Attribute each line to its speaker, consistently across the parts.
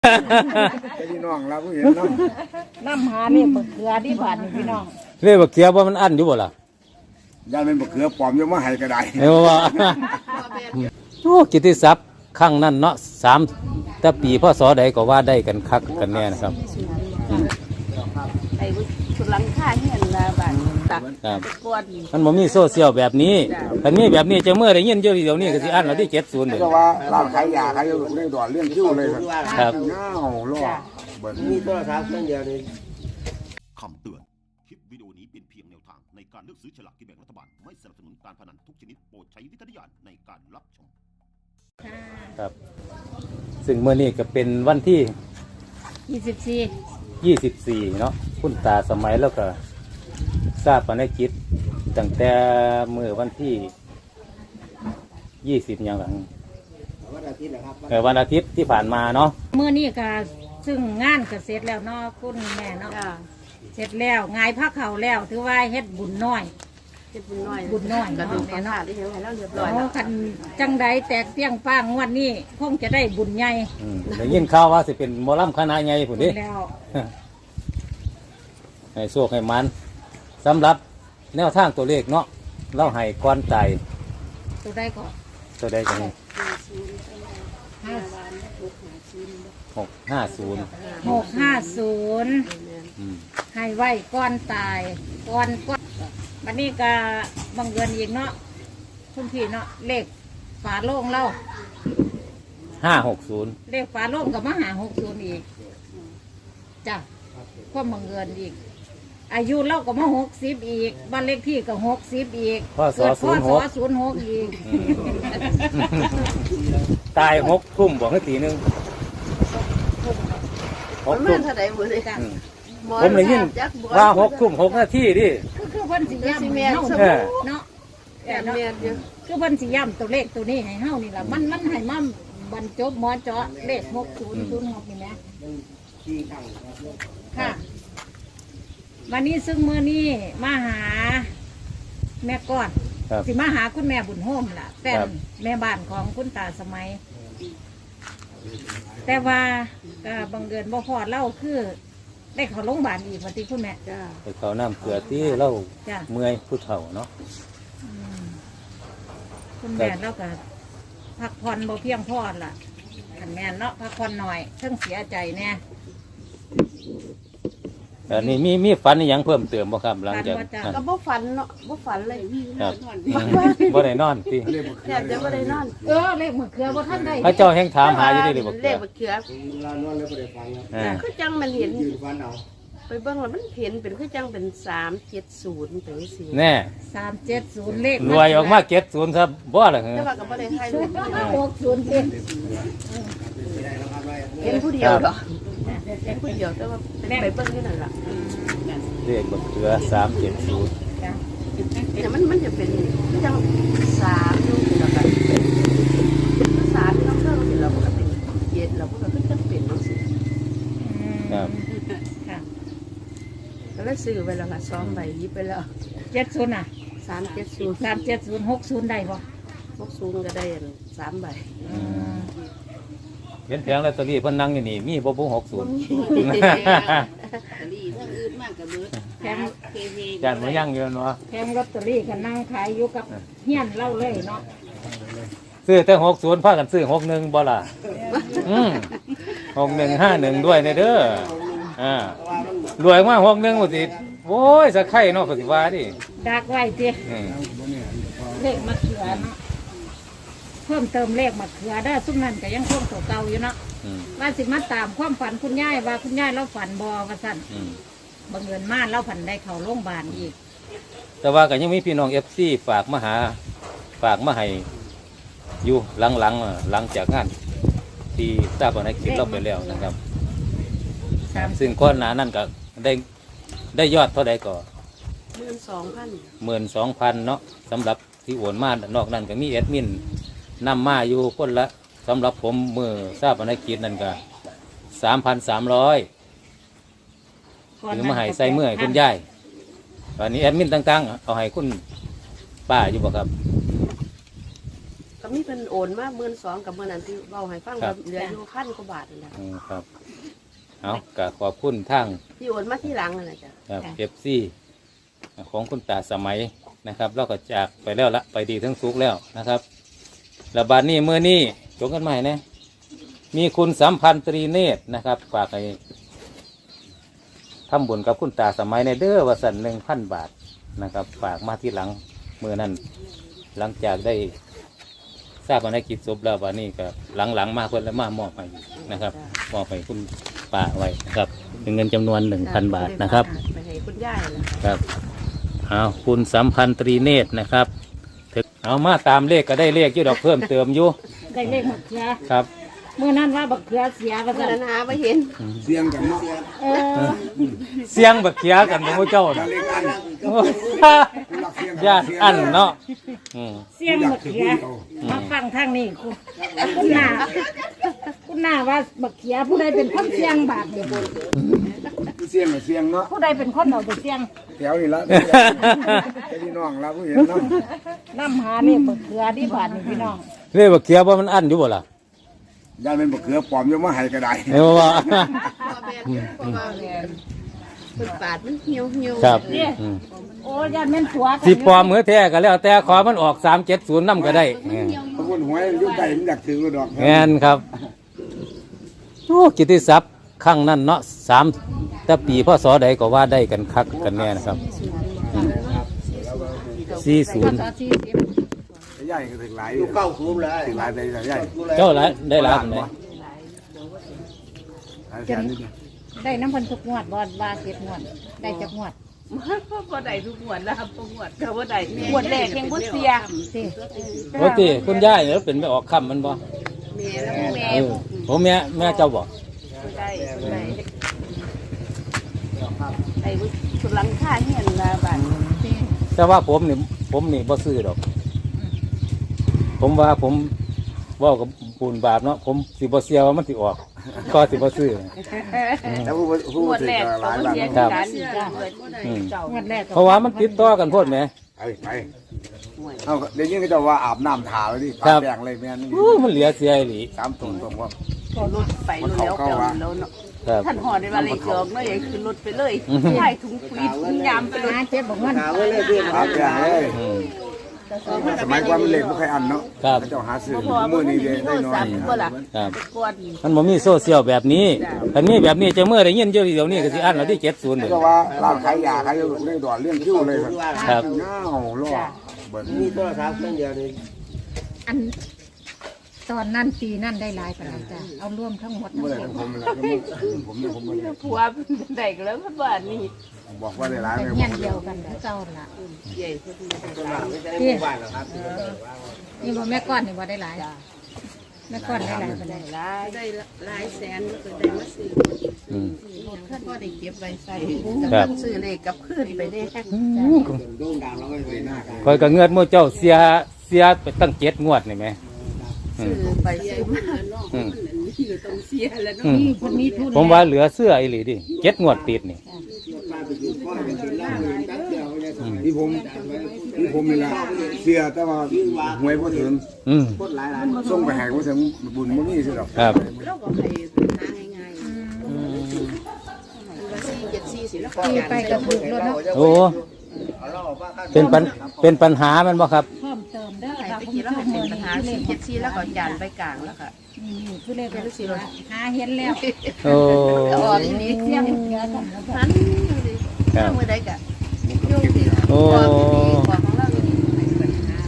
Speaker 1: พี่น้องเราผู้เห็นน้ำ
Speaker 2: น้ำหาเนี่ยบักเขือที่บ้านนี่พี่น้อง
Speaker 3: เรียกว่าเกียร์ว่ามันอั้นอยู่บ่ล่ะ
Speaker 1: ยายเป็นบักเขือปลอมยังมาให้ก็ได้
Speaker 3: เรียกว่าโอ้กิตติศัพท์ครั้งนั้นเนาะ3แต่ปีพศใดก็ว่าได้กันคักกันแน่นะครับ
Speaker 2: ไอ้สุลังค่าเห็นละบ้านตัก
Speaker 3: ครับ
Speaker 2: กวน
Speaker 3: มันบ่มีโซเชียลแบบนี้คันมีแบบนี้จะเมื่อได้ยินอยู่เดี๋ยวนี้ก็สิอั้นแล้วที่70เลย
Speaker 1: ก็ว่าร้านขายยาขายอยู่ในดอนเลี้ยงคิ้วเลย
Speaker 3: ครับ
Speaker 1: เงาล่อเบิด
Speaker 4: มีโทรศัพท์เครื่องเดียวนี่
Speaker 5: คำเตือน คลิปวิดีโอนี้เป็นเพียงแนวทางในการเลือกซื้อฉลากกินแบ่งรัฐบาล ไม่สนับสนุนการพนันทุกชนิดโปรดใช้วิจารณญาณในการรับชม
Speaker 3: ครับ ซึ่งเมื่อนี้ก็เป็นวันที่
Speaker 2: 24
Speaker 3: 24เนาะคุณตาสมัยแล้วก็ทราบภารกิจตั้งแต่เมื่อวันที่20อย่างหลัง
Speaker 4: วันอาทิตย์นะครับ
Speaker 3: วันอาทิตย์ที่ผ่านมาเนาะ
Speaker 2: มื้อนี้ก็ซึ่งงานก็เสร็จแล้วเนาะคุณแม่เนาะเสร็จแล้วงายผ้าเขาวแล้วถือว่าเฮ็ดบุญน้อยเฮ็ดบุญน้อยก็ดูแม่เนาะได้เฮ็ดให้เราเรียบร้อยแล้วคันจังใดแตกเตี้ยงป้างงวดนี้คงจะได้บุญใหญ่
Speaker 3: ได้ยินข่าวว่าสิเป็นหมอลำคณะใหญ่พุ่นเดิ
Speaker 2: แล้ว
Speaker 3: ให้โชคให้มันสำหรับแนวทางตัวเลขเนาะเราให้ก้อนตาย
Speaker 2: ตัวใดก็
Speaker 3: ตัวใดกันนี่650
Speaker 2: 650ให้ไว้ก้อนตายก้อนวันนี้ก็บังเอิญอีกเนาะคุณพี่เนาะเลขฝาโล่งเล่า
Speaker 3: 560
Speaker 2: เลขฝาโล่งกับมาหา60อีกจ้ะก็บังเอิญอีก อายุเราก็มา60อีกบ้านเลขที่ก็60อีก
Speaker 3: พศ
Speaker 2: เกิดพศ
Speaker 3: 06
Speaker 2: 06อีก
Speaker 3: ตาย6 ทุ่มบอกให้ตีหนึง6 ทุ่ม
Speaker 2: จ้ะ
Speaker 3: ผมได้ยินว่า6 ทุ่ม 6 นาทีดิ
Speaker 2: คือเพิ่นสิย้ำให้เฮา
Speaker 3: เออ
Speaker 2: เนาะแต่เนาะคือเพิ่นสิย้ำตัวเลขตัวนี้ให้เฮานี่ล่ะมันให้มาบรรจบหมอเจาะเลข6006นี่แหมค่ะ วันนี้ซึ่งมื้อนี้มาหาแม่ก้อน
Speaker 3: ครับ
Speaker 2: สิมาหาคุณแม่บุญโฮมล่ะแฟน
Speaker 3: ครับ
Speaker 2: แม่บ้านของคุณตาสมัย แต่ว่าก็บังเอิญบ่พอเล่าคือ ได้เข้าโรงพยาบาลอีกวันที่คุณแม่จ้า
Speaker 3: ไปเขาน้ำเกลือที่เรา
Speaker 2: จ้ะ
Speaker 3: เมื่อยผู้เฒ่าเนาะ
Speaker 2: คุณแม่เราก็พักผ่อนบ่เพียงพอล่ะขันแม่นเนาะพักผ่อนหน่อยเพิ่งเสียใจแน่
Speaker 3: แต่นี่มีฝันอหย่างเพิ่มเติมบ่ครับหลังจาก
Speaker 2: ฝันว่าจะ
Speaker 3: นั้น
Speaker 6: ก็บ่ฝันเนาะบ่ฝันเลย
Speaker 3: ครับบ่ได้นอนติ
Speaker 6: แทบจะบ่ได้นอน
Speaker 2: เลขมะเขือบ่ท่านได้
Speaker 3: พระเจ้าแห่งถามหาอยู่ได้เลยบ่
Speaker 6: เล
Speaker 3: เกิ
Speaker 6: ข
Speaker 3: ด
Speaker 6: บักเขือ
Speaker 4: ลานอนเลยไม่ได้ฟังนะ
Speaker 3: อ่า
Speaker 6: คือจังมันเห็น
Speaker 4: ยืนฟันเอา
Speaker 6: ไปเบิ่งแล้วมันเห็นเป็นคือจังเป็น370เป็นสิ
Speaker 3: แน่
Speaker 2: 370เลข
Speaker 3: รวยออกมา70ครับบ่ล่ะเหร
Speaker 6: แต่
Speaker 3: อ
Speaker 6: ว่าก็บ่ได้ถ่ายรูป
Speaker 2: 60สิ
Speaker 6: เห็นผู้เดียวดอกเห็นผู้เดียวแต่ว่าเป็นไปเบิ่งอยู่นั่นล่ะ
Speaker 3: เลขบักเขือ370
Speaker 6: แต่มันจะเป็นคือจัง3อยู่นี่ล่ะกัน3ที่เราเพิ่มนี่เราก็เป็น7เราก็คือจังเป็นจังซี่
Speaker 3: ครับ
Speaker 2: ค่ะ
Speaker 6: ก็เลยซื้อไว้แล้วล่ะ2ใบหยิบไปแล้ว
Speaker 2: 70น่ะ
Speaker 6: 370
Speaker 2: 370 60ได้บ่
Speaker 6: 60ก็ได้อัน3ใบ
Speaker 3: เห็นแผงลอตเตอรี่เพิ่นนั่งอยู่นี่มีบ่60
Speaker 2: แถม
Speaker 3: จานบ่ยังอยู่เนาะ
Speaker 2: แถมลอตเตอรี่ก็นั่งขายอยู่กับเฮียนเล่าเลยเนาะ
Speaker 3: ซื้อแต่60พากันซื้อ61บ่ล่ะ6151ด้วยเด้อรวยมาก61บ่สิโอ้ยสะไข่เนาะก็สิว่าดิ
Speaker 2: ดักไว้ติ
Speaker 3: อืม
Speaker 2: เลขมะเขือเนาะเพิ่มเติมเลขมะเขือได้ซุ่มนั่นก็ยังคงตัวเก่าอยู่เนาะ
Speaker 3: อืม
Speaker 2: ว่าสิมาตามความฝันคุณยายว่าคุณยายเราฝันบอว่าสั่น
Speaker 3: อืม
Speaker 2: บังเอิญมาเราฝันได้เข้าโรงพยาบาลอีก
Speaker 3: แต่ว่าก็ยังมีพี่น้อง FC ฝากมาให้อยู่หลังหลังจากงานที่ทราบว่าในคลิปเราไปแล้วนะครับซึ่งก้อนหนานั่นก็ได้ยอดเท่าใดก็
Speaker 6: 12,000
Speaker 3: 12,000เนาะสำหรับที่โอนมานอกนั้นก็มีแอดมินนำมาอยู่คนละสำหรับผมมือทราบว่าในคลิปนั่นก็3,300หรือมาให้ใส่เมื่อให้คุณยายตอนนี้แอดมินต่างๆเอาให้คุณป้าอยู่บ่ครับ
Speaker 6: ก็มีเพิ่นโอนมา12,000กับเมื่อนั้นที่เว้าให้ฟังว่าเหลืออยู่1,000กว่าบาทนั่นแหละ
Speaker 3: ครับเอาก็ขอบคุณทาง
Speaker 6: ที่โอนมาที่หลังนั่นแหละจ้ะ
Speaker 3: ครับเอฟซีของคุณตาสมัยนะครับเราก็จากไปแล้วละไปดีทั้งสุกแล้วนะครับระบาดนี้เมื่อนี้จงกันใหม่นะมีคุณสัมพันธ์ตรีเนตรนะครับฝากให้ทำบุญกับคุณตาสมัยในเด้อวสัน1,000 บาทนะครับฝากมาที่หลังเมื่อนั้นหลังจากได้ทราบภารกิจศพแล้ววันนี้ก็หลังๆมาเพิ่นแล้วมามอบให้นะครับมอบให้คุณป้าไว้นะครับเป็นเงินจำนวน 1,000 บาทนะครับ
Speaker 6: ไปให้คุณยายนะครับ
Speaker 3: เอาคุณสัมพันธ์ตรีเนตรนะครับถึงเอามาตามเลขก็ได้เลขอยู่ดอกเพิ่มเติมอยู่
Speaker 2: ได้เลขบักเขือ
Speaker 3: ครับ
Speaker 2: เมื่อนั้นว่าบักเขือเสียว่า
Speaker 6: เมื่
Speaker 2: ซั่
Speaker 6: อน นั้นหาบ่เห็น
Speaker 1: เสียงกันเนาะ
Speaker 2: เออ
Speaker 3: เสียงบักเขียกันของพระเจ้าน่ะ
Speaker 1: เล็กอัน
Speaker 3: ญาติอันเนาะอืม
Speaker 2: เสียงบักเขือมาฟังทางนี้คุณหน้าคุณหน้าว่าบักเขือผู้ใดเป็นคนเสียงบาทเดียว
Speaker 1: เสียงกับเสียงเนาะ
Speaker 2: ผู้ใดเป็นคนเอาไปเสียง
Speaker 1: แถวนี่ละพี่น้องเราผู้เห็นเนาะ
Speaker 2: น้ำหานี่บักเขือที่บาทนี่พี่น้อง
Speaker 3: เลขบักเขียว่ามันอันอยู่บ่ล่ะ
Speaker 1: ย่านเป็นบักเขือปลอมอยู่มาให้ก็ได้
Speaker 3: เห็นบ่ว่า
Speaker 6: เพิ่นปาดมันเหี่ยวๆ
Speaker 3: ครับ
Speaker 2: เนี่ย
Speaker 3: อืม
Speaker 2: โอ้ยานแม่นผัวกัน
Speaker 3: สิปลอมมือแท้ก็แล้วแต่ขอมันออก370นำก็ได้
Speaker 1: พระคุณหวยยุ่งไก่มันอยากถือดอก
Speaker 3: แม่นครับโอ้กิตติศัพท์ครั้งนั้นเนาะ3แต่ปีพศใดก็ว่าได้กันคักกันแน่นะครับ40
Speaker 1: ใหญ่ก็ถึงหลาย
Speaker 4: อยู่เก้าคุ้มเลย
Speaker 1: ถึงหลายได้ใหญ่
Speaker 3: เจ้าหลายได้หลายปานใด
Speaker 1: หลายแสนนิดเดียว
Speaker 2: ได้น้ำพันทุกงวดบอดว่าเก็บงวดได้จักงวด
Speaker 6: บ่ได้ทุกงวดแล้วครับบ่งวดก็บ่ได้
Speaker 2: งวดแรกยังบ่เสียสิ
Speaker 3: โอ้ติคุณยายเนี่ยเป็นไม่ออกคำมันบ่
Speaker 6: แม่แล้วแม่
Speaker 3: เออผมแม่เจ้าบอก
Speaker 6: ได้ไอ้สุดหลังคาเฮียนละบาท
Speaker 3: แต่ว่าผมนี่บ่ซื้อดอก ผมว่าผมเว่ากับปูนบาปเนาะผมสิบ่เสียว่ามันสิออก ก็สิบ่ซื้อ
Speaker 1: แล้วผู้
Speaker 6: งวด
Speaker 1: ถือ
Speaker 6: แรก
Speaker 1: ก็ห
Speaker 6: ต้อ
Speaker 1: ลาง ยบาท
Speaker 6: เสีย
Speaker 3: ครับ
Speaker 6: กันเปิดบ่ได้
Speaker 3: อืม
Speaker 6: เจ้าง
Speaker 2: วดแรก
Speaker 3: เพราะว่ามันติดต่อกันโพดแหม
Speaker 1: ไปเอาเดี๋ยวนี้ก็จะว่าอาบน้ำถาเลยดิ
Speaker 3: ครับ
Speaker 1: แดงเลยแม่นี่
Speaker 3: อู้มันเหลือเสียอีหลี
Speaker 1: 3ตัวตรงว่า
Speaker 6: ก็รถไปรถแล้วเก่าแล้วเนาะ
Speaker 3: ครับ
Speaker 6: ท่านหอได้ว่าเลยจอกเนาะอย่าขึ้นรถไปเลยใช่ถุงปุ๋ยถุงยามไปเลย
Speaker 2: หาเจ็บบอกเงิน
Speaker 4: หาไว้เลยเพื่อน
Speaker 1: อาบแดงเลย
Speaker 3: อืม
Speaker 1: สมัยก่อนมันเล็กไม่เคยอันเนาะ
Speaker 3: ครับ
Speaker 1: เจ้าหาซื้อ
Speaker 6: พอ
Speaker 1: มื
Speaker 6: มื้
Speaker 1: อ
Speaker 6: อ
Speaker 1: นี้
Speaker 6: นี้
Speaker 1: ได้
Speaker 6: มีโท
Speaker 1: น้
Speaker 6: ร
Speaker 1: อย
Speaker 6: ศัพท์บ่ล่ะ
Speaker 3: ครับ
Speaker 6: ก่อน
Speaker 3: มันบ่มีโซเชียลแบบนี้คันมีแบบนี้จะเมื่อได้ยินอยู่เดี๋ยวนี้ก็สิอันแล้วที่70เลย
Speaker 1: ก็ว่าร้านขายยาขายอยู่ได้ดอดเรื่องคิ้วเลยครับ
Speaker 3: ครับ
Speaker 1: เงาล่อเบิด
Speaker 4: มีโทรศัพท์เครื่องเดียวนี่
Speaker 2: อันตอนนั้นปีนั่นได้หลายปานใดจ้ะเอาร่วมทั้งหมดทั้ง
Speaker 1: เมื่อไหร่
Speaker 2: สิ้น
Speaker 1: ผมแล้วผมไม่ได้
Speaker 6: ผัวเป็นได้ก็แล้วมันบ้านนี่
Speaker 1: บอกว่าได้ร้าย
Speaker 2: เป็น
Speaker 1: เลย
Speaker 2: เงี้ยเดียวกันแล้วเจ้าล่ะ
Speaker 6: ใหญ่เพิ่นได้
Speaker 4: ตัวหลังไม่ใช่ในหมู่บ้านหรอกครับ
Speaker 2: นี่บ่แม่ก้อนนี่บ่ได้หลายแม่ก้อนได้หลายปานใด
Speaker 6: หลายได้หลายแสนก็ได้มาซื้อ
Speaker 3: อืม
Speaker 6: ท่านก็ได้เก็บไว้ใส่
Speaker 3: ครับ
Speaker 6: ซื้อเลขกับคืนไปได้
Speaker 4: โด่งดังแล้วก็ไปหน้ากัน
Speaker 3: คอยก็เงินหมู่เจ้าเสียไปตั้ง7งวดนี่แหมอื
Speaker 6: ซื้
Speaker 3: ม
Speaker 6: อไปซื้อมา
Speaker 3: อืม
Speaker 6: ต้องเสียแล้วเนาะ
Speaker 3: อืม
Speaker 2: นี่คนมีทุน
Speaker 3: ผมว่าเหลือเสื้ออีหลีดิ7งวดติดนี่
Speaker 4: ป้าไปอยู่ก้อนไปกินเหล้าอยู่ตั้งเดียวเนี่ยสมัย
Speaker 1: ที่ผมนี่แหละเสียแต่ว่าหวยพอถึง
Speaker 3: อืม
Speaker 4: คนหลาย
Speaker 1: ส่งไปให้พอถึงบุญมันนี่สิหรอก
Speaker 3: ครับ
Speaker 6: เราก็ให้หาง่ายๆว่า474สิแล้วก็
Speaker 2: ตีไปกระถูกรถเนาะ
Speaker 3: โอ้เป็นปัญหามันบ่ครับ
Speaker 2: เพิ่มเติมเด้อ
Speaker 6: ให้
Speaker 2: ค่ะ
Speaker 6: ไป
Speaker 2: คุณ
Speaker 6: กิน
Speaker 2: ผู้
Speaker 6: แล้ว
Speaker 2: ช
Speaker 6: ให้
Speaker 2: ม
Speaker 6: เป็นปัญหา474แล้วก็จานไปกลางแล้วค่ะ
Speaker 2: นี่คือเลขเป็นสิหาเห็นแล้ว
Speaker 3: โอ้
Speaker 6: ออกอีนี้
Speaker 2: เสียงเสือกันแล้วก็
Speaker 6: นั้นถ้ามื้อใดก็โยมสิ
Speaker 3: โอ้
Speaker 6: ของเราอยู่นี่ให้ปัญหา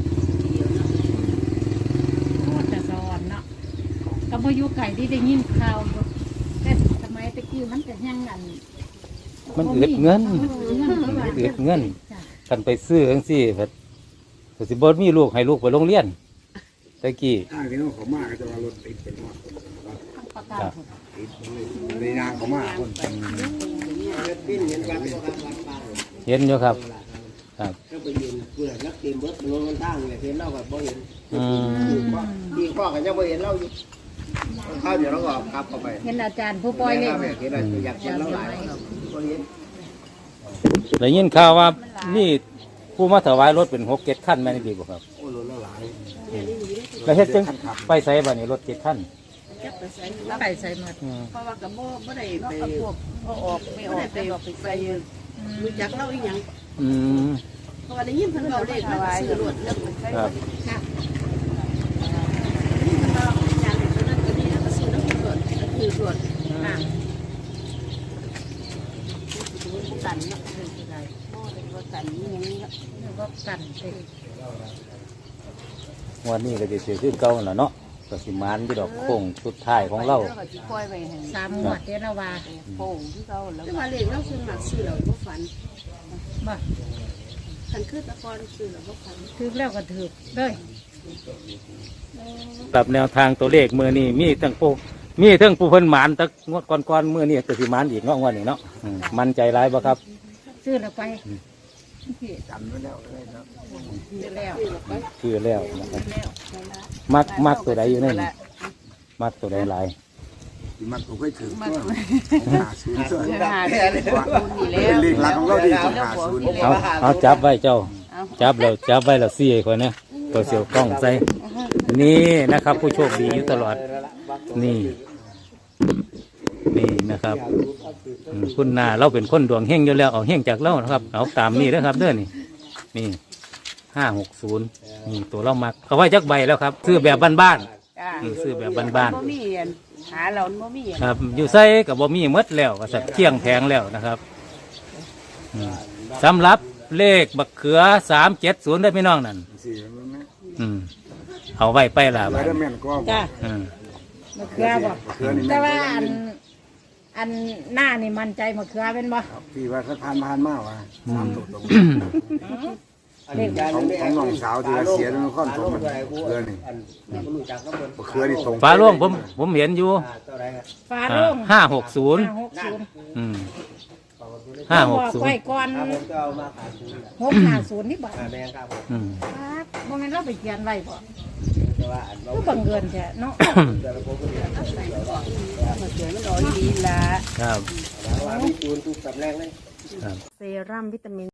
Speaker 2: โคตรจะสอนเนาะก็บ่อยู่ไก่ที่ได้ยินข่าวอยู่แต่สมัยตะกี้มันจะยังอัน
Speaker 3: มันอึดเงินอึดเงินกันไปซื้อจังซี่เพิ่นก็สิบ่มีลูกให้ลูกไปโรงเรียนตะกี้
Speaker 1: ถ้าที่น้องเขามากก็จะว่ารถติดเป็นว่า
Speaker 2: ประกาศ
Speaker 1: ติดในนางเขามากคน
Speaker 4: ปิ้นเห็นวัดก็ครับวัดป่า
Speaker 3: เห็นอยู่ครับครับ
Speaker 4: ก็ไปยืนเพื่อนักเตรียมเบิร์ดลงกันตั้งเลยเห็นเราแบบบ่เห็น
Speaker 3: อืม
Speaker 4: ที่ข้อกันยังบ่เห็นเราอยู่ข้าวเดี๋ยวเราก็ขับเข้าไป
Speaker 2: เห็นอาจารย์ผู้ปล่อยเลข
Speaker 4: เห็นอะไรอยากเห็นเราหลายบ่เห็น
Speaker 3: ได้ยินข่าวว่ามีผู้มาถวายรถเป็น6-7คันแม่นดีบ่ครับ
Speaker 4: โอ้โหเราหลาย
Speaker 3: แล้วเฮ็ดจังไปใส่บัดนี้รถ7คัน
Speaker 6: จับไปใส่
Speaker 2: ไปใส่หมด
Speaker 6: เพราะว่ากับบ่ได้ไปพวกบ่ออกไม่ออกไปใส่รู้จักเล่าอีหยัง
Speaker 3: อืม
Speaker 6: เพราะว่าได้ยินเพิ่นเว้าเลขมาซื้อรถแล้วใส่
Speaker 3: ครับ
Speaker 2: ค่ะ
Speaker 6: นี่มันว่าอย่างนี้นั้นก็นี่แล้วก็ซื้อน้ำรถก็คือรถ
Speaker 2: ค่ะ
Speaker 6: กันเนาะคือได้บ่ได้ว่ากันนี่ยังนี่
Speaker 2: แล้วก็กันไป
Speaker 3: วันนี้ก็จะเสียขึ้นเก่าแล้วเนาะก็สิมานอยู่ดอกโค้งสุดท้ายของเรา
Speaker 6: ก็สิปล่อยไว้ให้
Speaker 2: 3งวดเด้อละว่า
Speaker 6: โป่งที่เขาแล้วแต่ว่าเลขเราซื้อมักซื้อแล้วบ่ฝัน
Speaker 2: บ่
Speaker 6: คันคือตะกอนซื้อแล้วบ่ฝัน
Speaker 2: ถึกแล้วก็ถึกเลย
Speaker 3: ปรับแนวทางตัวเลขมือนี่มีทั้งปูเพิ่นหมานแตะงวดก่อนๆมือนี่ก็สิหมานอีกเนาะงวดนี้เนาะมั่นใจหลายบ่ครับ
Speaker 2: ซื้อแล้วไป
Speaker 1: จำไว้แล้วเลยนะ
Speaker 2: ซื้อแล้ว
Speaker 3: คือแล้วนะครับมักตัวใดอยู่ในนี่มักตัวใดหลาย
Speaker 1: ที่มันก็เคยถึงก็50ส่วน
Speaker 6: หาได้นี่แล้ว
Speaker 1: เป็นเลขหลักของเราที่50
Speaker 3: เอาจับไว้เจ้า จับไว้แล้วซี่ให้คนนะตัวเสียวกล้องใส่นี่นะครับ ผู้โชคดีอยู่ตลอดนี่นะครับคุณนาเราเป็นคนดวงเฮงอยู่แล้วเอาเฮงจากเรานะครับเอาตามนี่นะครับเด้อนี่560นี่ตัวเรามักเอาไว้จักใบแล้วครับซื้อแบบบ้านๆซื้อแบบบ้าน
Speaker 6: บ่มีหาเราบ่มี
Speaker 3: ๆครับอยู่ใส่กับบ่มีหมดแล้วก็สักเที่ยงแพงแล้วนะครับสำหรับเลขบักเขือ370ได้พี่น้องนั่น
Speaker 1: สิมันนะ
Speaker 3: เอาไว้ไปล่ะ
Speaker 1: ไว้
Speaker 3: บัด
Speaker 1: ได้แม่นก็
Speaker 2: จ้ะ
Speaker 3: อืม
Speaker 2: มะเขือบ่
Speaker 1: เขือนี่
Speaker 2: แต่
Speaker 1: แม่
Speaker 2: ว่าอันหน้านี่มั่นใจมะเขือเป็นบ่
Speaker 1: พี่ว่าเขาผ่านมาว่า3ตัวตรง
Speaker 2: เลข
Speaker 1: ของน้องสาวที่ว่าเสียแล้วค่อนตรงมันเขือนี่เขือนี่ตรง
Speaker 3: ฟ้าโล่งผมเห็นอยู่
Speaker 2: ฟ้าโล่ง
Speaker 3: 560 อืม
Speaker 2: บอกไว้
Speaker 3: 560
Speaker 2: ก่อน650นี่บ่
Speaker 3: อืม
Speaker 2: ครับบ่แม่นเราไปเขียนไว้บ่ก็บังเอิญแท้เนาะ
Speaker 6: มาเจอมันรอดีละ
Speaker 3: ครับ
Speaker 4: จูนทุกสำแรงเลย
Speaker 3: ครับ
Speaker 6: เซรั่มวิตามิน